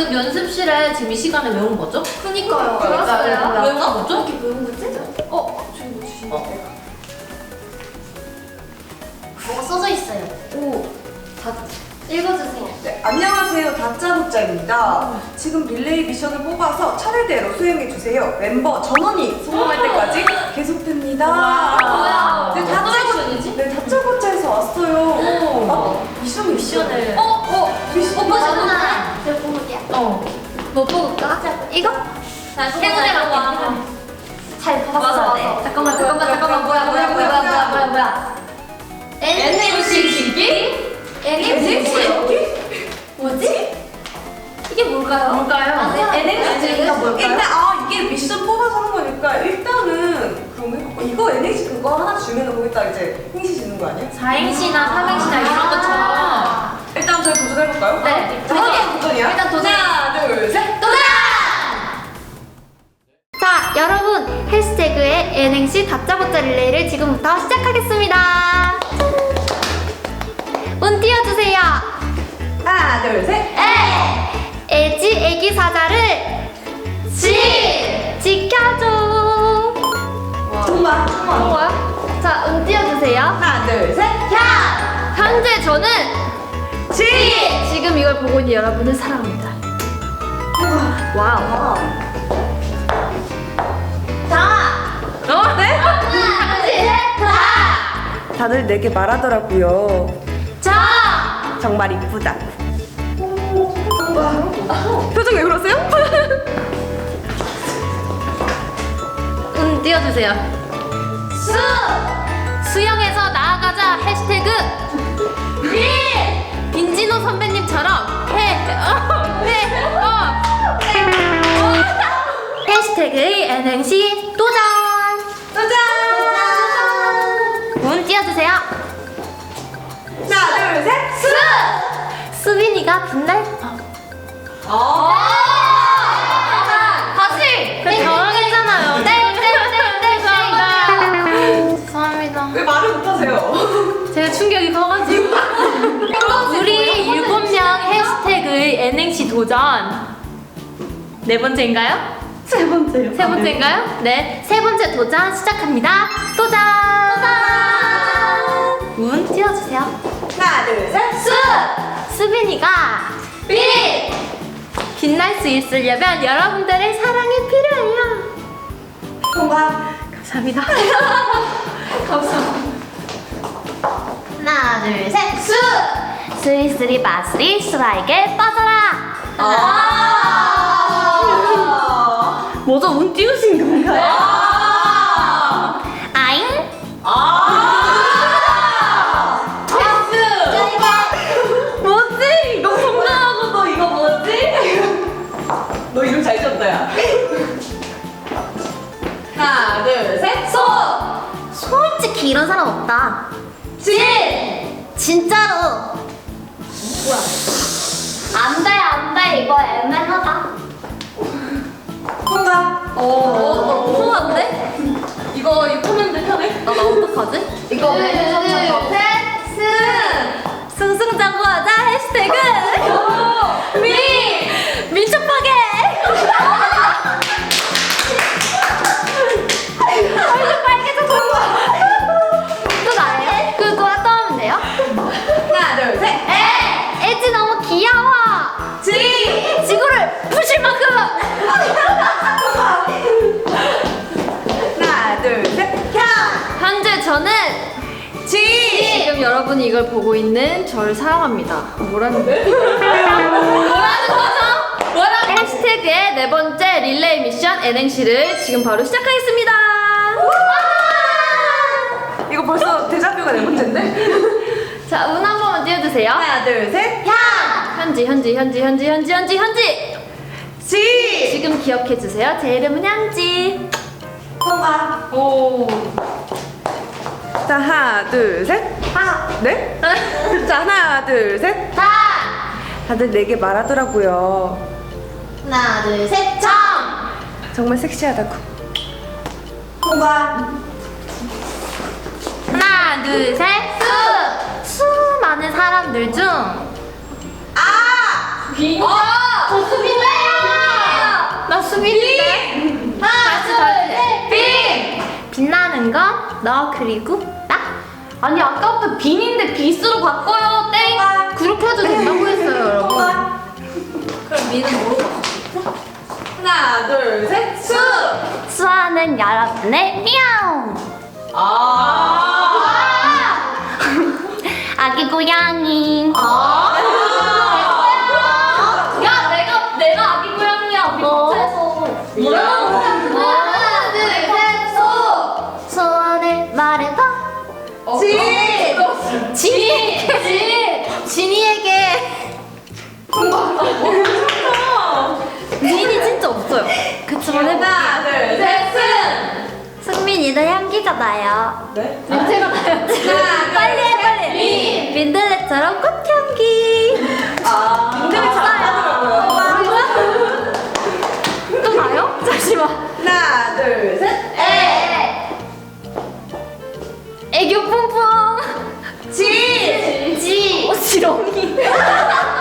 연습실에 지금 이 시간에 왜 온 거죠? 그니까요. 몰랐어요. 왜 온 거죠? 이렇게 배운 거지? 저기 뭐 주신 거 뭐가 써져 있어요. 다 읽어주세요. 네, 안녕하세요. 다짜고짜입니다. 지금 릴레이 미션을 뽑아서 차례대로 수행해주세요. 멤버 전원이 성공할 때까지 계속됩니다. 뭐야? 네, 다짜고짜에서 왔어요. 미션을. 미션을. 미션. 오빠잖아. 제가 뽑을게요. 뭐 뽑을까? 이거? 행운의 잘 뽑았어야 돼. 잠깐만. 뭐야? NFC 기기? NFC? 뭐지? 이게 뭘까요? NX가 뭘까요? 일단 이게 미션 뽑아서 하는 거니까 일단은 그런 거 해갖고 이거 NH 그거 하나 주면 거기다 이제 행시 주는 거 아니야? 4행시나 3행시나 이런 것처럼. 일단 저희 도전해볼까요? 네. 도전이야? 일단 도전. 하나, 둘, 셋. 자, 여러분 해시태그의 N행시 다짜고짜 릴레이를 지금부터 시작하겠습니다. 운 띄워주세요. 하나, 둘, 셋. 애지 애기 사자를 지켜줘. 정말. 뭐야? 자, 운 띄워주세요. 하나, 둘, 셋. 현재 저는 지금 이걸 보고 있는 여러분을 사랑합니다. 와우. 네? 다들 내게 말하더라고요. 정말 이쁘다. 표정 왜 그러세요? 운 띄워주세요. 수영에서 나아가자 해시태그 빈진호 선배님처럼 해시태그의 N행시 도전. 운 띄워주세요. 하나, 둘, 셋. 수빈이가 빛날 다시 저랑 했잖아요. 죄송합니다. 왜 말을 못하세요? 제가 충격이 커가지고. 우리 7명 해시태그의 N행시 도전. 네 번째인가요? 세 번째요. 세 번째인가요? 네, 세 번째 도전 시작합니다. 도전! 운 띄워주세요. 하나, 둘, 셋. 수빈이가 빛날 수 있으려면 여러분들의 사랑이 필요해요. 통과. 감사합니다. 하나, 둘, 셋. 스리스리 바스리 수라에게 빠져라. 뭐죠? 운 띄우신 건가요? 아잉? 뭐지? 이거 성공하고 너 이거 뭐지? 너 이름 잘 지었다, 야. 하나, 둘, 셋. 솔직히 이런 사람 없다. 진짜로. 뭐야? 안 돼. 이거 애매하다. 통과. 너무 무서운데? 이거 코멘트 편해? 나 어떡하지? 이거 승승장구하자 해시태그 민첩하게 얼굴 빨개졌어. 또 나예요? 그거 또 하면 돼요? 하나, 둘, 셋. 애지 너무 귀여워. 지구를 부실 만큼. 하나, 둘, 셋. 현재 저는 지금 여러분이 이걸 보고 있는 저를 사랑합니다. 뭐라는 거죠? 해시태그의 네 번째 릴레이 미션 N행시를 지금 바로 시작하겠습니다. 이거 벌써 데자뷰가 네 번째인데? 자, 운 한 번만 띄워주세요. 하나, 둘, 셋. 현지. 지금 기억해주세요. 제 이름은 현지. 통과. 자, 하나, 둘, 셋. 네? 자, 하나, 둘, 셋. 다들 내게 말하더라고요. 하나, 둘, 셋. 정말 섹시하다고. 통과. 하나, 둘, 셋. 수많은 사람들 중 빈. 저 수빈이야. 나 수빈인데. 다시. 빈. 빛나는 건 너 그리고 나. 아니 아까부터 빈인데 비스로 바꿔요. 땡. 그렇게 해도 된다고 했어요, 여러분. 그럼 민은 뭐로 바꿔? 하나, 둘, 셋, 수! 수아는 여러분의 미야옹. 아기 고양이. 야, 내가 아기 고양이야. 우리 마트에서. 뭐라고? 하나, 둘, 셋, 소. 소원을 말해봐. 진이에게. 진이 진짜 없어요. 그치만 해볼게요. 하나, 둘, 셋, 승민이도 향기잖아요. 네? 냄새가 나요. 빨리 해, 빨리. 민들레처럼 꽃향기. 민들레 잘안 하더라고요. 또 나요? 잠시만. 하나, 둘, 셋. 애교 뿜뿜. 지. 지렁이.